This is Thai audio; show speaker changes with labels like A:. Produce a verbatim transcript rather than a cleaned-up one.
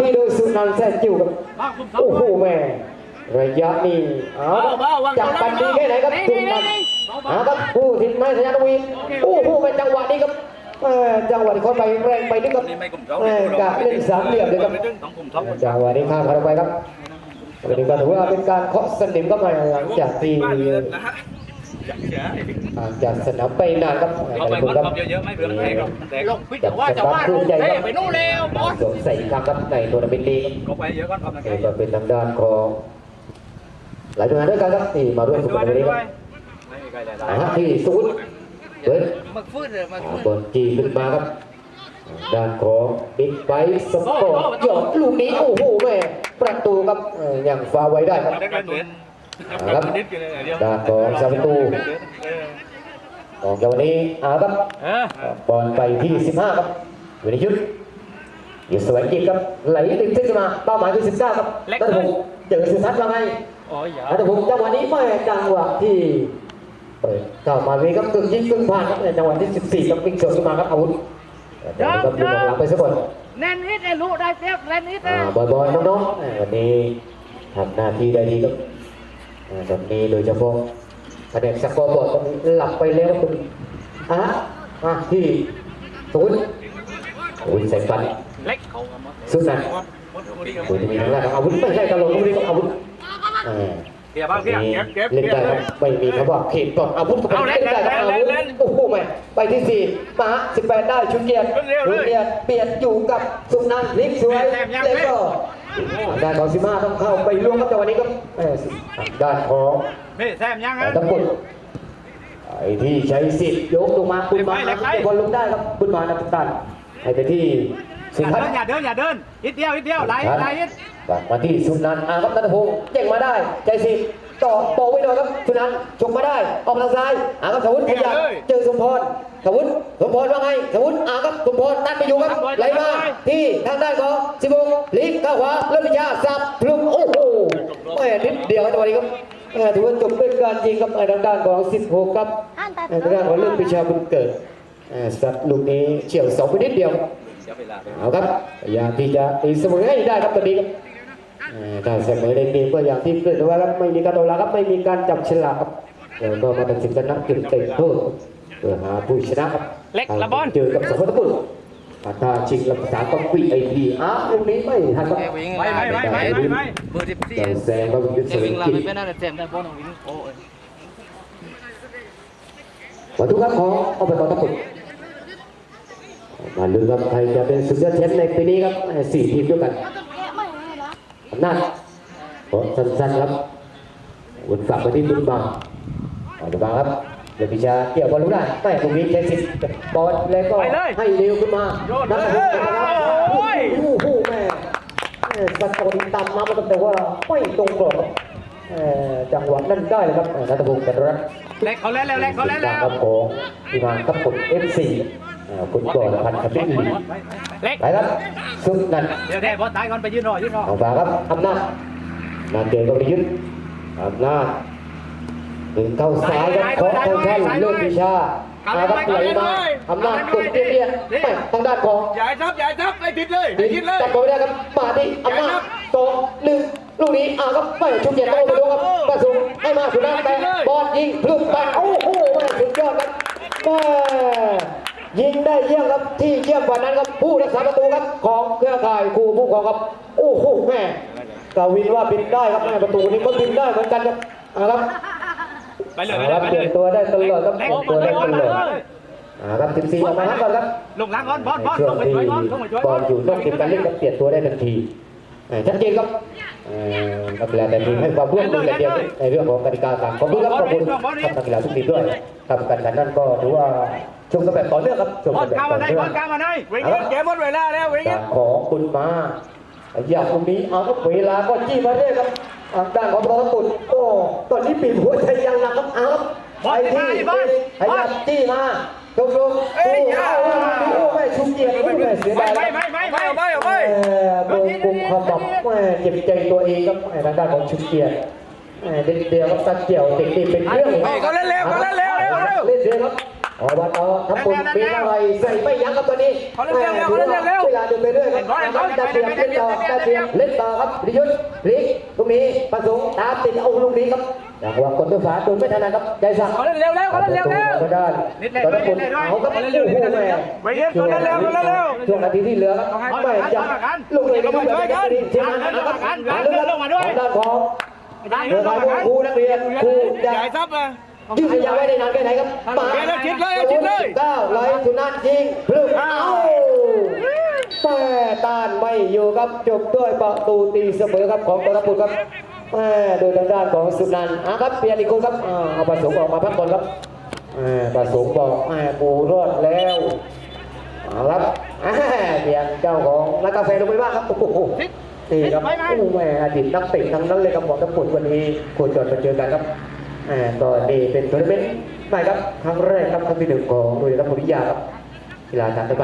A: โดยสุนันท์แสนจิ๋วครับโอ้โหแม่ระยะนี้เอาจับกันดีแค่ไหนครับสุนันท์เอาครับผู้ทิ้งไม้สัญญาณวีโอ้โหเป็นจังหวะนี้ครับจังหวะที่เขาไปแรงไปนึกครับกะเล่นสามเหลี่ยมเลยครับจังหวะนี้ข้ามเข้าไปครับวันนี้ก็ถือว่าเป็นการเคาะสนิมก็มาหลังจากที่จากสนามไปนานครับเอาไปครับเยอะๆไม่เบื่อแพ้ครับลงพิจารณาจะว่าใหญ่ไปนู่นแล้วบอสใส่ครั้งครับในทัวร์นาเมนต์นี้ก็ไปเยอะก่อนก็เป็นทางด้านของหลายหน่วยงานด้วยกันครับที่มาร่วมฝึกในวันนี้ครับที่ศูนย์เปิดบอลจีขึ้นมาครับด้านของบิ๊กไบค์สปอร์ตหยอดลูกนี้โอ้โหแม่ประตูครับยังฟ้าไว้ได้ครับครับด้านของซาบิตูของเจ้าวันนี้อาครับบอลไปที่สิบห้าครับวินิยุทธ์อยู่สวยจริงครับไหลติดเส้นมาเป้าหมายที่สิบเก้าครับนัทพงศ์เจอสุทัศน์ว่าไงนัทพงศ์จังหวะนี้ไม่จังหวะที่เปิดเข้ามาวีครับกึ่งยิงกึ่งผ่านครับในจังหวะที่สิบสี่ครับวิ่งสวนขึ้นมาครับอาวุธเดี๋ยวก็ดูหลังไปสักคน
B: แน่นนิดไอ้ลูกได้เจ็บแน่นนิดนะ
A: บอยๆน้องๆวันนี้ทำหน้าที่ได้ดีครับแบบนี้โดยเฉพาะคะแนนสกอร์บอร์ดตอนนี้หลับไปแล้วคุณอ่ะอ่ะที่ศูนย์ศูนย์ใส่ฟันสุดนั้นคุณจะมีทางแรกอาวุธไม่ใช่ตลกคุณนี่ก็อาวุธ
B: เก็บบ้างเก็บเก็บ
A: เล่นได้ไม่มีคำว่าเขตก่อนอาวุธก็เป็นเล่นได้ครับอาวุธโอ้โหแม่ไปที่สี่มาสิบแปดได้ชุนเกียรติชุนเกียรติเปลี่ยนอยู่กับสุนันท์ลิฟสวยแล้วก็ด้านของซิมาต้องเข้าไปล่วงครับแต่วันนี้ก็ด้านของ
B: แซมยังไง
A: ตะปุ่นไอ้ที่ใช้สิทธิ์ยกลงมาคุณมาบอลลงได้ครับคุณมานักตันให้ไปที่
B: สุนันท์อย่าเดินอย่าเดินนิดเดียวนิดเดียวไหลไหลนิด
A: มาที่สุนันท์อาครับนัทพงศ์เจ่งมาได้ใจสิทธิ์ต่อโปไว้หน่อยครับสุนันท์ชกมาได้ออกทางซ้ายอาครับสวุฒิขยับเจอสมพรสวุฒิสมพรว่าไงสวุฒิอาครับสมพรตัดไปอยู่ครับไหลมาที่ทางด้านของสิบหกลิฟเข้าขวาเริ่มวิชาสับพลุมโอ้โหแม่นิดเดียวครับตัวนี้ครับถือว่าจบด้วยการยิงครับในทางด้านของสิบหกครับในทางด้านของเริ่มวิชาบุญเกิดสับลูกนี้เฉี่ยวสองไปนิดเดียวเอาครับพยายามที่จะตีเสมอให้ได้ครับตอนนี้ครับถ้าเสมอในเกมก็อย่างที่เกิดไว้ครับไม่มีการตกลาครับไม่มีการจับฉลากครับแล้วก็มาตัดสินกันนักจุดเตะโทษเพื่อหาผู้ชนะครับ
B: เล็กละบอล
A: เจอกับสมรภูมิถ้าชิงลำสามต้องปีไอพีอ้าวลูกนี้ไม่ทันครับ
B: ไม่ไม่ไม่ไม่ไม่ไม่เบอร์สิบสี่
A: แซงก็วิ่งเสวิ่งกิน
B: ไม่น่าจะแซงได้บอลของวิ่งโอ้ย
A: วัตถุครับของเอาไปต่อตะปุ่นมาลุ้นครับใครจะเป็นสุดยอดแชมป์ในปีนี้ครับสี่ทีมด้วยกันอำนาจขอสั้นๆครับวุนฝากไปที่บุญบางบุญบางครับเดี๋ยวพิชาเกี่ยวบอลรู้ได้แต่ตรงนี้ใช้สิทธิ์บอลแล้วก็ให้เร็วขึ้นมานักบุกนะครับโอ้โหแม่สตอร์ตามมาแต่ว่าไม่ตรงกรอบจังหวะนั่นได้เลยครับนักบุกกันรัก
B: เล็กเขาเล่นแล้วเล็กเขาเล่นแล้ว
A: ของที่มาทับผลเอฟซีคุณก่อนพันกับพี่อี
B: เล็ก
A: ไปครับสุดนั่น
B: เดี๋ยวได้บอลตายก่อนไปยืนรอยืนรอ
A: เอาฝาครับอำนาจนาเกลก็ไปยึดอำนาจถึงเข้าซ้ายครับของทางท่านเลิศวิชาอาครับไหลมาอำนาจกดเตี้ยๆทางด้านของ
B: ใหญ่ทับใหญ่ทับไอ้ทิศเลยไอ้ทิศเลย
A: จับไปได้ครับมาที่อำนาจสองหนึ่งลูกนี้อาครับไม่ชุบเย็นโต้ไปดูครับกระสุนให้มาสุดท้ายแต่บอลยิงพลึบไปโอ้โหสุดยอดครับแม่ยิงได้เยี่ยมครับที่เยี่ยมกว่านั้นครับผู้รักษาประตูครับของเครือข่ายครูผู้ของครับโอ้โหแม่กวินว่าบินได้ครับแม่ประตูนี้ก็บินได้เหมือนกันครับครับ
B: ไปเลยครับ
A: เปลี่ยนตัวได้ตลอดครับเปลี่ยนตัวได้ตลอดครับสิบสี่ออกมาครับก่อนครับ
B: ลงหลังก่อนบอลบอลลงไปช่วยบอลลงไปช่วย
A: บอลอยู่ต้องเก็บการเล่นกับเปลี่ยนตัวได้ทันทีชัดเจนครับนักกีฬาแต่ทีมให้ความร่วมมืออย่างเดียวในเรื่องของกติกาต่างขอบคุณครับขอบคุณนักกีฬาทุกทีมด้วยทำกันกันนั่นก็ถือว่าชมกันแบบต่อเนื่องครับชมกันแบบต่อเนื่อง
B: เกมหมดเวลาแล้ววิ่ง
A: ของคุณมาอย่างตรงนี้เอาครับเวลาก็จี้มาเรื่อยครับด้านของประตูโอ้ตอนนี้ปีหัวใจยังหนักครับเอาไปที่พยายามจี้มาตรงตรงโอ้โหไม่ชุบเกียร์ไม่ไม่เสียดาย
B: ไม่ไม่ไม่ไม่ไม่ไม่
A: โดนกุมขมับแม่เจ็บใจตัวเองครับทางด้านของชุบเกียร์เด็กเดียวครับตะเกี่ยวเด็กๆเป็นเรื่อง
B: เขาเล่นเร็วเขาเล่นเร็วเร็วเร็ว
A: เล่นเร็วครับอบตทำบุญปีอะไรใส่ไม่ยั้งครับตอนนี้เวลาเดินไปเรื่อยครับได้เตรียมเล่นต่อได้เตรียมเล่นต่อครับพิยุทธ์พลิกตรงนี้ประสงค์ตามติดเอาลูกนี้ครับอย่างว่าคนตัวฝาตัวไม่ถนัดครับใจสั่ง
B: เขาเล่นเร็วเร็วเขาเล่นเร็วเร็ว
A: ก็ได้ตอนนั้นคนเอาครับโอ้โหแม่ช่วงช่วงนาทีที่เหลือครับไม่จับลูกเลยก็ไม่ช่วยกันเชียงรายนะครับเรื่องของด้านของเรื่องของครูนักเรียนครูใหญ่ซับเลยยืดยาวไว้ได้นานแค่ไหนครับมาชิดเลยชิดเลยเก้าไหลสุนันท์ยิงพลึกเอ้าแต่ต้านไม่อยู่ครับจบด้วยประตูตีเสมอครับของกรปุตครับแม่โดยทางด้านของสุนันท์อ่ะครับเปลี่ยนอีกคนครับอ่าเอาประสงค์ออกมาพักบอลครับอ่าประสงค์บอกแม่ปูรอดแล้วเอาครับอ่าเปลี่ยนเจ้าของร้านกาแฟลงไปบ้างครับโอ้โหนี่ครับโอ้แม่อดีตนักเตะทั้งนั้นเลยครับบอกทั้งหมดวันนี้โคจรมาเจอกันครับอ่าก็นี่เป็นทัวร์นาเมนต์ใหม่ครับครั้งแรกครับครั้งที่หนึ่งของโรงเรียนรัฐวิทยาครับกีฬาทาง